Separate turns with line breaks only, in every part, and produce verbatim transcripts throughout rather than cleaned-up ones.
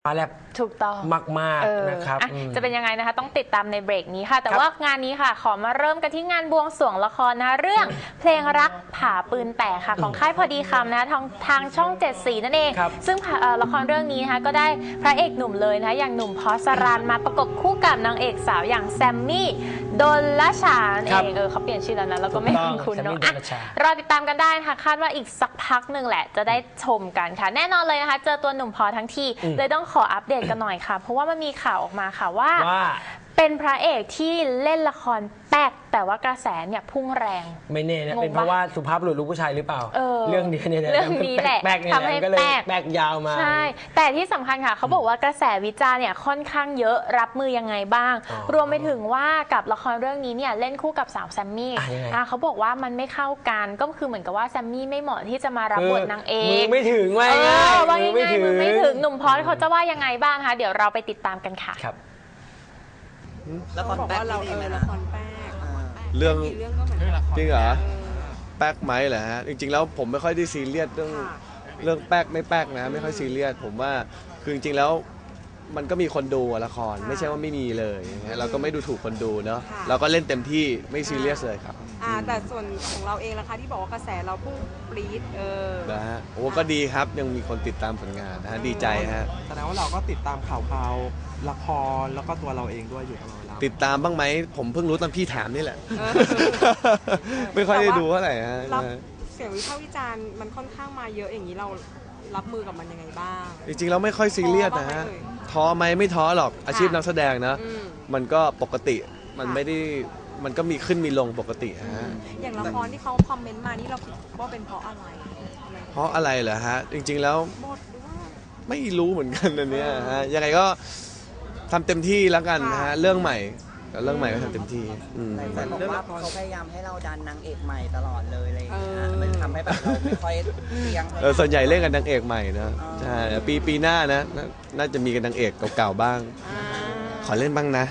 มาแลบ
ถูกต้อง
มากๆนะครับ
จะเป็นยังไงนะคะต้องติดตามในเบรกนี้ค่ะแต่ว่างานนี้ค่ะขอมาเริ่มกันที่งานบวงสรวงละครนะเรื่องเพลงรักผาปืนแตกค่ะของค่ายพอดีคำนะทางทางช่องเจ็ดสีนั่นเองซึ่งละครเรื่องนี้นะคะก็ได้พระเอกหนุ่มเลยนะอย่างหนุ่มพอสรันมาประกบคู่กับนางเอกสาวอย่างแซมมี่ดลชาเองเออเขาเปลี่ยนชื่อแล้วนะแล้วก็ไม่คุ้นเนาะรอติดตามกันได้นะคะคาดว่าอีกสักพักหนึ่งแหละจะได้ชมกันค่ะแน่นอนเลยนะคะเจอตัวหนุ่มพอทั้งทีเลยต้องขออัปเดตกันหน่อยค่ะเพราะว่ามันมีข่าวออกมาค่ะว่าเป็นพระเอกที่เล่นละครแป๊กแต่ว่ากระแสเนี่ยพุ่งแรง
ไม่แน่นะเป็นเพราะว่าสุภาพบุรุษลูกผู้ชายหรือเปล่า
เออ
เรื่องนี้เนี่ย
เรื่องนี้แหละ
ทำให้ก็เลยแป๊กยาวมา
ใช่แต่ที่สำคัญค่ะเขาบอกว่ากระแสวิจารณ์เนี่ยค่อนข้างเยอะรับมือยังไงบ้างรวมไปถึงว่ากับละครเรื่องนี้เนี่ยเล่นคู่กับสาวแซมมี่เขาบอกว่ามันไม่เข้ากันก็คือเหมือนกับว่าแซมมี่ไม่เหมาะที่จะมารับบทนางเอก
มือไม่ถึงว่า
ง่ายมือไม่ถึงมือไม่ถึงหนุ่มพอสเขาจะว่ายังไงบ้างคะเดี๋ยวเราไปติดตามกันค่ะ
ละครแป๊กเราเออละครแป๊ก
เรื่องจริงเหรอแป๊กไหมเหรอฮะจริงๆแล้วผมไม่ค่อยได้ซีเรียสเรื่องเรื่องแป๊กไม่แป๊กนะไม่ค่อยซีเรียสผมว่าคือจริงๆแล้วมันก็มีคนดูละครไม่ใช่ว่าไม่มีเลยเราก็ไม่ดูถูกคนดูเนาะเราก็เล่นเต็มที่ไม่ซีเรียสเลยครับ
แต่ส่วนของเราเองล่ะคะที่บอกว่ากระแสเราพุ่งปรี๊ดเออ
นะฮะโอ้ก็ดีครับยังมีคนติดตามผลงานนะฮะดีใจฮะ
แสดงว่าเราก็ติดตามข่าวข่าวละครแล้วก็ตัวเราเองด้วยอยู่ตลอดเวลา
ติดตามบ้างไหมผมเพิ่งรู้ตอนพี่ถามนี่แหละไม่ค่อยได้ดูเท่าไหร่ฮะ
เสียงวิพากษ์วิจารณ์มันค่อนข้างมาเยอะอย่างนี้เรารับมือกับมันยังไงบ้าง
จริงๆเราไม่ค่อยซีเรียสนะฮะท้อไหมไม่ท้อหรอกอาชีพนักแสดงนะมันก็ปกติมันไม่ได้มันก็มีขึ้นมีลงปกติฮะ
อย่างละครที่เขาคอมเมนต์มานี่เราคิดว่าเป็นเพราะอะไร
เพราะอะไรเหรอฮะจริงๆแล้วไม่รู้เหมือนกันอันนี้ฮะยังไงก็ทำเต็มที่แล้วกันนะฮะเรื่องใหม่เรื่องใหม่ก็ทำเต็มที่
แต่บอกว่าเขาพยายามให้เราดันนางเอกใหม่ตลอดเลยอะไรอย่างเงี้ยมันทำให้แบบเราไม่ค่อยเลี้ยง
เออส่วนใหญ่เล่นกันนางเอกใหม่นะใช่ปีปีหน้านะน่าจะมีกันนางเอกเก่าๆบ้างขอเล่นบ้างนะ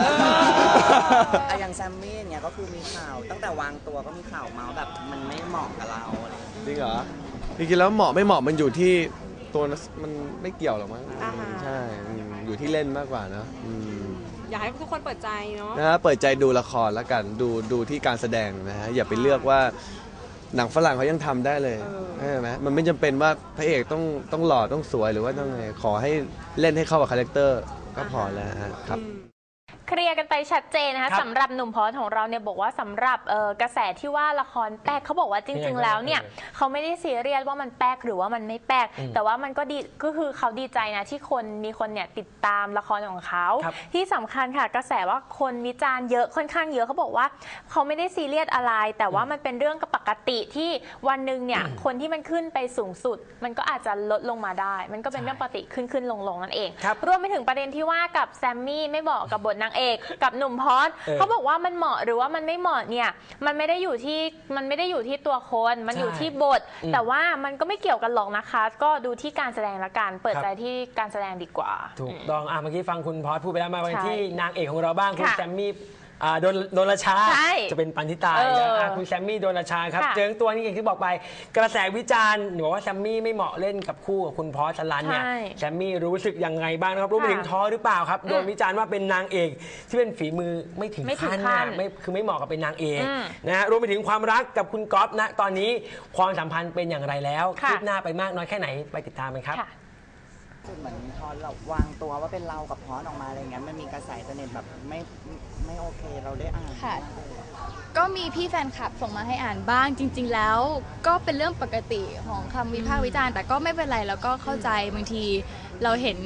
อย่างแซมมี่เนี่ยก็คือมีข่าวตั้งแต่วางตัวก็มีข่าวเมาส์แบบมันไม่เหมาะกับเราอะไร
จริงเหรอจริงๆแล้วเหมาะไม่เหมาะมันอยู่ที่ตัวมันไม่เกี่ยวหรอกมั้งใช่อยู่ที่เล่นมากกว่านะ
อยากให้ทุกคนเปิดใจเนาะ
นะเปิดใจดูละครแล้วกันดูดูที่การแสดงนะฮะอย่าไปเลือกว่าหนังฝรั่งเขายังทำได้เลยใช่ไหมมันไม่จำเป็นว่าพระเอกต้องต้องหล่อต้องสวยหรือว่าต้องไงขอให้เล่นให้เข้ากับคาแรคเตอร์ก็พอแล้วครับ
เคลียร์กันไปชัดเจนนะคะสำหรับหนุ่มพอสของเราเนี่ยบอกว่าสำหรับกระแสที่ว่าละครแป๊กเขาบอกว่าจริงๆแล้วเนี่ยเขาไม่ได้ซีเรียสว่ามันแป๊กหรือว่ามันไม่แป๊กแต่ว่ามันก็ดีก็คือเขาดีใจนะที่คนมีคนเนี่ยติดตามละครของเขาที่สำคัญค่ะกระแสว่าคนวิจารณ์เยอะค่อนข้างเยอะเขาบอกว่าเขาไม่ได้ซีเรียสอะไรแต่ว่ามันเป็นเรื่องปกติที่วันหนึ่งเนี่ยคนที่มันขึ้นไปสูงสุดมันก็อาจจะลดลงมาได้มันก็เป็นเรื่องปกติขึ้นขึ้นลงลงนั่นเองรวมไปถึงประเด็นที่ว่ากับแซมมี่ไม่บอกกับบทนางเอกกับหนุ่มพอสเขาบอกว่ามันเหมาะหรือว่ามันไม่เหมาะเนี่ยมันไม่ได้อยู่ที่มันไม่ได้อยู่ที่ตัวคนมันอยู่ที่บทแต่ว่ามันก็ไม่เกี่ยวกันหรอกนะคะก็ดูที่การแสดงละกันเปิดใจที่การแสดงดีกว่า
ถูกต้องอ่ะเมื่อกี้ฟังคุณพอสพูดไปแล้วมาวันที่นางเอกของเราบ้างคุณแซมมี่โดนโดนราชาจะเป็นปันธิตานะคุณแซมมี่โดนราชาครับเจอตัวนี้อย่างที่บอกไปกระแสวิจารณ์หนูว่าแซมมี่ไม่เหมาะเล่นกับคู่กับคุณพอสลันเนี่ยแซมมี่รู้สึกยังไงบ้างนะครับรู้ไปถึงท้อหรือเปล่าครับโดนวิจารณ์ว่าเป็นนางเอกที่เป็นฝีมือไม่ถึงขั้นไม่คือไม่เหมาะกับเป็นนางเอกนะฮะรวมไปถึงความรักกับคุณก๊อฟนะตอนนี้ความสัมพันธ์เป็นอย่างไรแล้วคืบหน้าไปมากน้อยแค่ไหนไปติดตามกันครับ
เหมือนพอเราวางตัวว่าเป็นเรากับพอสออกมาอะไรเงี้ยมันมีกระแสเน็ตแบบไม่ไม่โอเคเราได้อ่าน
ค่ะก็มีพี่แฟนคลับส่งมาให้อ่านบ้างจริงๆแล้วก็เป็นเรื่องปกติของคำวิพากษ์วิจารณ์แต่ก็ไม่เป็นไรแล้วก็เข้าใจบางทีเราเห็น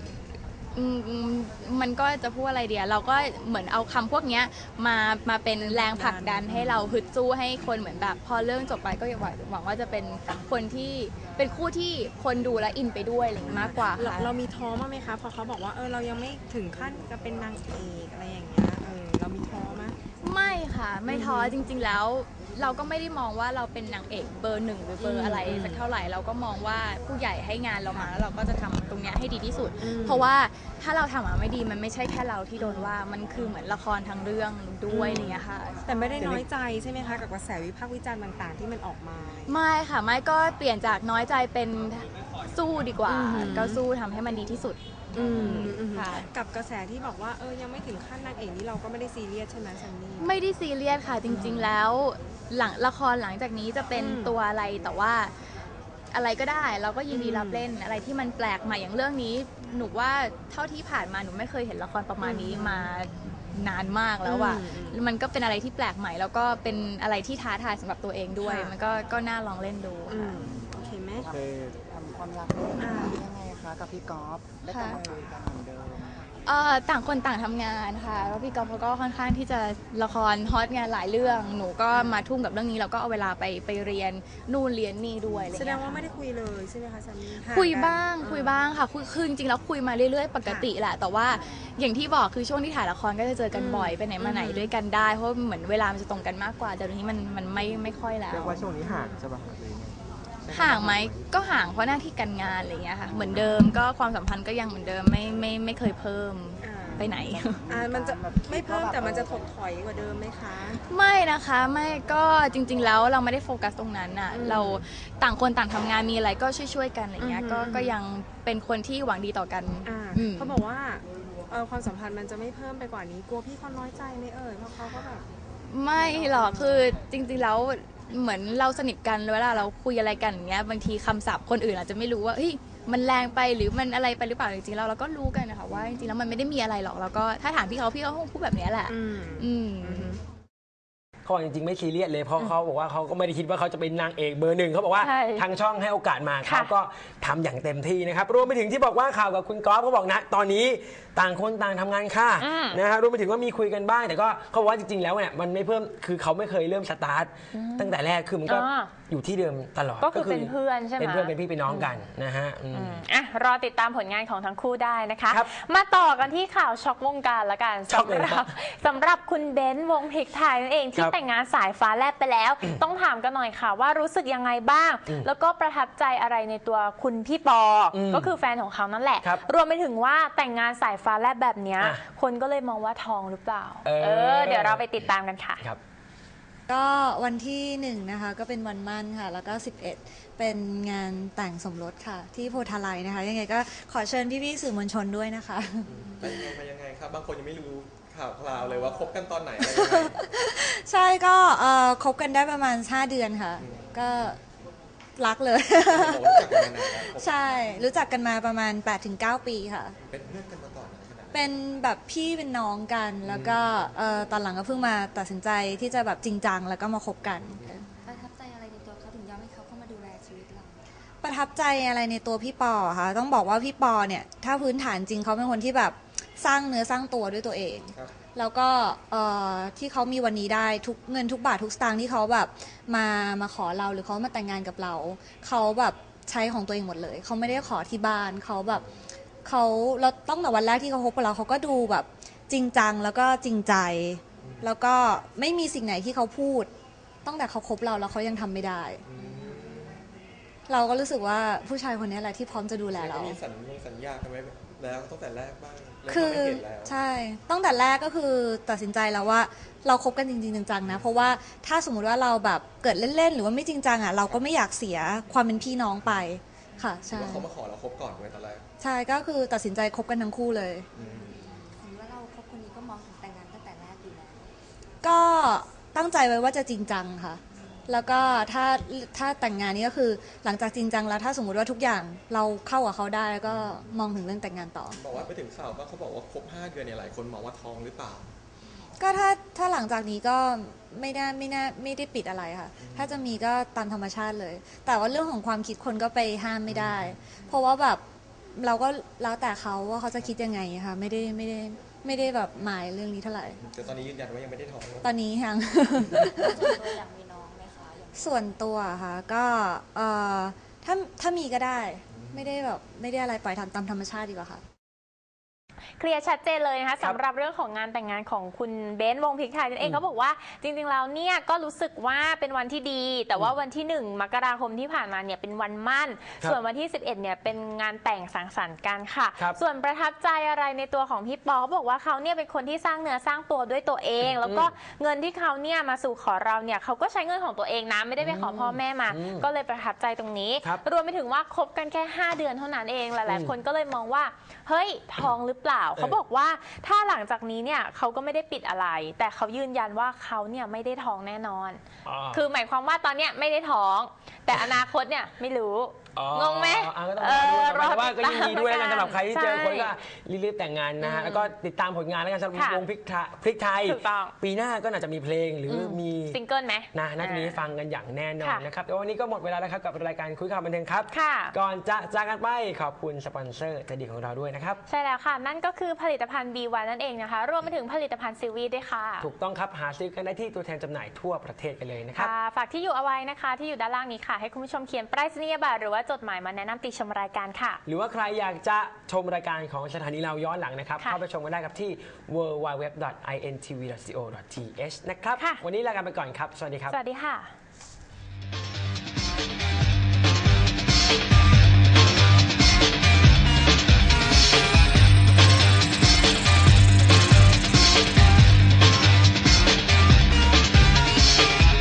มันก็จะพูดอะไรเดียวเราก็เหมือนเอาคำพวกนี้มามาเป็นแรงผลักดันให้เราฮึดสู้ให้คนเหมือนแบบพอเรื่องจบไปก็หวังหวังว่าจะเป็นคนที่เป็นคู่ที่คนดูและอินไปด้วยอะไรมากกว่าค่ะ
เรามีท้อมั้ยไหมคะพอเขาบอกว่าเออเรายังไม่ถึงขั้นจะเป็นนางเอกอะไรอย่างเงี้ยเออเรามีท้อมั้ย
ไม่ค่ะไม่ท้อจริงๆแล้วเราก็ไม่ได้มองว่าเราเป็นนางเอกเบอร์หนึ่งหรือเบอร์อะไรสักเท่าไหร่เราก็มองว่าผู้ใหญ่ให้งานเรามาแล้วเราก็จะทำตรงนี้ให้ดีที่สุดเพราะว่าถ้าเราทำมาไม่ดีมันไม่ใช่แค่เราที่โดนว่ามันคือเหมือนละครทั้งเรื่องด้วยอะไรเงี้ยค่ะ
แต่ไม่ได้น้อยใจใช่ไหมคะกับกระแสวิพากษ์วิจารณ์ต่างๆที่มันออกมา
ไม่ค่ะไม่ก็เปลี่ยนจากน้อยใจเป็นสู้ดีกว่า ก็สู้ทำให้มันดีที่สุด
อืมอืม
ค่ะ
กับกระแสที่บอกว่าเออยังไม่ถึงขั้นนางเอกนี่เราก็ไม่ได้ซีเรียสใช่ไหมซันนี่
ไม่ได้ซีเรียสค่ะจริง ๆ แล้วหลังละครหลังจากนี้จะเป็น
อืม
ตัวอะไรแต่ว่าอะไรก็ได้เราก็ยินดีรับเล่นอะไรที่มันแปลกใหม่อย่างเรื่องนี้ หนูว่าเท่าที่ผ่านมาหนูไม่เคยเห็นละครประมาณนี้มานานมากแล้วอ่ะ
อืม
มันก็เป็นอะไรที่แปลกใหม่ แล้วก็เป็นอะไรที่ท้าทายสำหรับตัวเองด้วย
ค่ะ
มันก็ก็น่าลองเล่นดู
อื
ค่ะ
มโอเคไหม
เคย
ทำความรักได้ยังไงคะกับพี่ก๊อฟได้กลับมาคุยกันเหมือนเดิม
เอ่อต่างคนต่างทำงานค่ะแล้วพี่ก๊อฟเขาก็ค่อนข้างที่จะละครฮอตงานหลายเรื่อง หนูก็มาทุ่มกับเรื่องนี้แล้วก็เอาเวลาไปไปเรียนนู่นเรียนนี่ด้วยอะไร
แส
เงี้ย
ดงว่า
ค่ะ
ไม่ได้คุยเลยใช่ไหมคะซันนี่ห่
คุย
กัน
บ้าง
เออ
คุยบ้างค่ะคุยคือจริงๆแล้วคุยมาเรื่อยๆ ปกติแหละ แต่ว่าอย่างที่บอกคือช่วงที่ถ่ายละครก็จะเจอกันบ่อย
อืม
ไปไหนมาไหน
อืม
ด้วยกันได้ เพราะเหมือนเวลามันจะตรงกันมากกว่าแต่เดี๋ยวนี้มันมันไม่ไม่ค่อยแล้ว
เรียกว่าช่วงนี้ห่างใช่ป่ะครับหรือยังไง
ห่างไหมก็ห่างเพราะหน้าที่การงานอะไรอย่างเงี้ยค่ะเหมือนเดิมก็ความสัมพันธ์ก็ยังเหมือนเดิมไม่ไม่ไม่เคยเพิ่ม
อ่า
ไปไหน
อ่ามันจะไม่เพิ่มแต่มันจะถดถอยกว่าเดิมไหมคะ
ไม่นะคะไม่ก็จริง ๆ แล้วเราไม่ได้โฟกัสตรงนั้นน่ะ
อืม
เราต่างคนต่างทำงานมีอะไรก็ช่วยๆกันอะไรเงี้ย
อืม
ก็ก็ยังเป็นคนที่หวังดีต่อกัน
อ่า
อืม
เขาบอกว่าเออความสัมพันธ์มันจะไม่เพิ่มไปกว่านี้กลัวพี่เขาน้อยใจไหมเอ่ยเพราะเขาก็แบบ
ไม่หรอกคือจริงๆแล้วเหมือนเราสนิทกันเวลาเราคุยอะไรกันอย่างเงี้ยบางทีคำศัพท์คนอื่นอาจจะไม่รู้ว่าเฮ้ยมันแรงไปหรือมันอะไรไปหรือเปล่าจริงๆแล้วเราก็รู้กันนะคะว่าจริงๆแล้วมันไม่ได้มีอะไรหรอกแล้วก็ถ้าถามพี่เขาพี่เขาคงพูดแบบเนี้ยแหละ
อืม
อืม
เขาบอกจริงๆไม่ซีเรียสเลยเพราะเขาบอกว่าเขาก็ไม่ได้คิดว่าเขาจะเป็นนางเอกเบอร์หนึ่งเขาบอกว่า
ใช่
ทางช่องให้โอกาสมา
ค่ะ
เขาก็ทำอย่างเต็มที่นะครับรวมไปถึงที่บอกว่าข่าวกับคุณก๊อฟเขาบอกนะตอนนี้ต่างคนต่างทำงานค่ะ
อืม
นะฮะรวมไปถึงว่ามีคุยกันบ้างแต่ก็เขาบอกว่าจริงๆแล้วเนี่ยมันไม่เพิ่มคือเขาไม่เคยเริ่มสตาร์ทตั้งแต่แรกคือมันก็
อ่า
อยู่ที่เดิมตลอด
ก็คือเป็นเพื่อนใช่ไหม
เป็นเพื่อนเป็นพี่เป็นน้องกันนะฮะอืม
อืมอ่ะรอติดตามผลงานของทั้งคู่ได้นะคะ
ครับ
มาต่อกันที่ข่าวช็อกวงการละกัน
ช็อก
สำ
เลย
ห
ครั
รับบ สำหรับคุณเบนซ์วงพริกไทยนั่นเองที่
ครับ
แต่งงานสายฟ้าแลบไปแล้ว ต้องถามกันหน่อยค่ะว่ารู้สึกยังไงบ้าง
อืม
แล้วก็ประทับใจอะไรในตัวคุณพี่ปออ
ม
ก็คือแฟนของเขานั่นแหละ
ครับ
รวมไปถึงว่าแต่งงานสายฟ้าแลบแบบเนี้ย
อ่ะ
คนก็เลยมองว่าทองหรือเปล่า
เออ
เออ เดี๋ยวเราไปติดตามกันค่ะ
ครับ
ก็วันที่หนึ่งนะคะก็เป็นวันมั่นค่ะ แล้วก็สิบเอ็ดเป็นงานแต่งสมรสค่ะ ที่โพธาไลยนะคะ ยังไงก็ขอเชิญพี่ๆสื่อมวลชนด้วยนะคะ
ไปยังไงมายังไงครับ บางคนยังไม่รู้ข่าวคราวเลยว่าคบกันตอนไหนอะไรยังไง
ใช่ก็เอ่อคบกันได้ประมาณห้าเดือนค่ะ ก็รักเลย
ผมรู้จักกันมานานแล้วคบ
ใช่รู้จักกันมาประมาณ แปดถึงเก้า ปีค่ะ
เป็นเพื่อนกันมาก่อนนะขนาดนั้น
เป็นแบบพี่เป็นน้องกัน แล้วก็เอ่อตอนหลังก็เพิ่งมาตัดสินใจที่จะแบบจริงจังแล้วก็มาคบกัน
ประทับใจอะไรในตัวเขาถึงยอมให้เขาเข้ามาดูแลชีวิตเรา
ประทับใจอะไรในตัวพี่ปอคะต้องบอกว่าพี่ปอเนี่ยถ้าพื้นฐานจริงเขาเป็นคนที่แบบสร้างเนื้อสร้างตัวด้วยตัวเอง
ครับ
แล้วก็เอ่อที่เขามีวันนี้ได้ทุกเงินทุกบาททุกสตางค์ที่เขาแบบมามาขอเราหรือเขามาแต่งงานกับเราเขาแบบใช้ของตัวเองหมดเลยเขาไม่ได้ขอที่บ้านเขาแบบเขาเราต้องแต่วันแรกที่เขาคบกับเราเขาก็ดูแบบจริงจังแล้วก็จริงใจ แล้วก็ไม่มีสิ่งไหนที่เขาพูดตั้งแต่เขาคบเราแล้วเขายังทำไม่ได้ เราก็รู้สึกว่าผู้ชายคนนี้แหละที่พร้อมจะดูแลเรา
มีสัญญาสัญญากันไว้แล้วตั้งแต่แรกบ้างแล้ว
คือ
ก็ไม่เห็นแล้ว
ใช่ตั้งแต่แรกก็คือตัดสินใจแล้วว่าเราคบกันจริงๆจังๆนะเพราะว่าถ้าสมมุติว่าเราแบบเกิดเล่นๆหรือว่าไม่จริงจังอ่ะเราก็ไม่อยากเสียความเป็นพี่น้องไปค่ะใช่
ว่าเขามาขอเราคบก่อนไว้ตอนแรก
ใช่ก็คือตัดสินใจคบกันทั้งคู่เลย
เห็นว่าเราคบคนนี้ก็มองถึงแต่งงานตั้งแต่แรกอยู่แล้ว
ก็ตั้งใจไว้ว่าจะจริงจังค่ะ แล้วก็ถ้าถ้าแต่งงานนี่ก็คือหลังจากจริงจังแล้วถ้าสมมุติว่าทุกอย่างเราเข้ากับเขาได้ก็มองถึงเรื่องแต่งงานต่อ
บอกว่าไปถึงข่าวว่าเขาบอกว่าคบห้าเดือนเนี่ยหลายคนมองว่าท้องหรือเปล่า
ก็ถ้าถ้าหลังจากนี้ก็ไม่ได้ไม่น่าไม่ได้ปิดอะไรค่ะ ถ้าจะมีก็ตามธรรมชาติเลย แต่ว่าเรื่องของความคิดคนก็ไปห้ามไม่ได้ เพราะว่าแบบเราก็แล้วแต่เขาว่าเขาจะคิดยังไงค่ะไม่ได้ไม่ได้ไม่ได้แบบหมายเรื่องนี้เท่าไหร่
แต่ตอนนี้ยืนยันว่ายังไม่ได้ท้อง
ตอนนี้ยัง
ส่วนตัวอยากมีน้องไหมคะอย่าง
ส่วนตัวค่ะก็เอ่อถ้าถ้ามีก็ได้ ไม่ได้แบบไม่ได้อะไรปล่อยทำตามธรรมชาติดีกว่าค่ะ
เคลียร์ชัดเจนเลยนะคะสำหรับเรื่องของงานแต่งงานของคุณเบนซ์วงพริกไทยนั่นเองเขาบอกว่าจริงๆแล้วเนี่ยก็รู้สึกว่าเป็นวันที่ดี แต่ว่าวันที่หนึ่งมกราคมที่ผ่านมาเนี่ยเป็นวันมั่นส่วนวันที่สิบเอ็ดเนี่ยเป็นงานแต่งสังสรรค์กันค่ะส่วนประทับใจอะไรในตัวของพี่ปอเขาบอกว่าเขาเนี่ยเป็นคนที่สร้างเนื้อสร้างตัวด้วยตัวเองแล้วก็เงินที่เขาเนี่ยมาสู่ขอเราเนี่ยเขาก็ใช้เงินของตัวเองนะไม่ได้ไปขอพ่อแม่มาก็เลยประทับใจตรงนี้รวมไปถึงว่าคบกันแค่ห้าเดือนเท่านั้นเองหลายๆคนก็เลยมองว่าเฮ้ยท้องหรือเปล่าเขาบอกว่าถ้าหลังจากนี้เนี่ยเขาก็ไม่ได้ปิดอะไรแต่เขายืนยันว่าเขาเนี่ยไม่ได้ท้องแน่นอนคือหมายความว่าตอนเนี้ยไม่ได้ท้องแต่อนาคตเนี่ยไม่รู้งงไหม
เออรอว่าก็ยินดีด้วยนะสำหรับใครที่เจอคนก็รีบๆแต่งงานนะฮะแล้วก็ติดตามผลงานแล้วกันสำหรับวงพริกพริกไทยปีหน้าก็น่าจะมีเพลงหรือมี
ซิงเกิลไหม
นะน่าจะมีฟังกันอย่างแน่นอนนะครับแต่วันนี้ก็หมดเวลาแล้วครับกับรายการคุยข่าวบันเทิงครับก่อนจะจากกันไปขอบคุณสปอนเซอร์ใจดีของเราด้วยนะครับ
ใช่แล้วค่ะนั่นก็คือผลิตภัณฑ์ บี วัน นั่นเองนะคะรวมไปถึงผลิตภัณฑ์ซีวีด้วยค่ะ
ถูกต้องครับหาซื้อกันได้ที่ตัวแทนจำหน่ายทั่วประเทศกันเลยนะครับ
ฝากที่อยู่เอาไว้นะคะที่อยู่ด้านล่างนี้ค่ะให้คุณผู้ชมเขียนไปรษณียบัตรหรือว่าจดหมายมาแนะนำติชมรายการค่ะ
หรือว่าใครอยากจะชมรายการของสถานีเราย้อนหลังนะครับเข้าไปชมกันได้ครับที่ ดับเบิลยู ดับเบิลยู ดับเบิลยู ดอท ไอ เอ็น ที วี ดอท ซี โอ ดอท ที เอช นะครับวันนี้ลากันไปก่อนครับสวัสดีครับ
สวัสดีค่ะ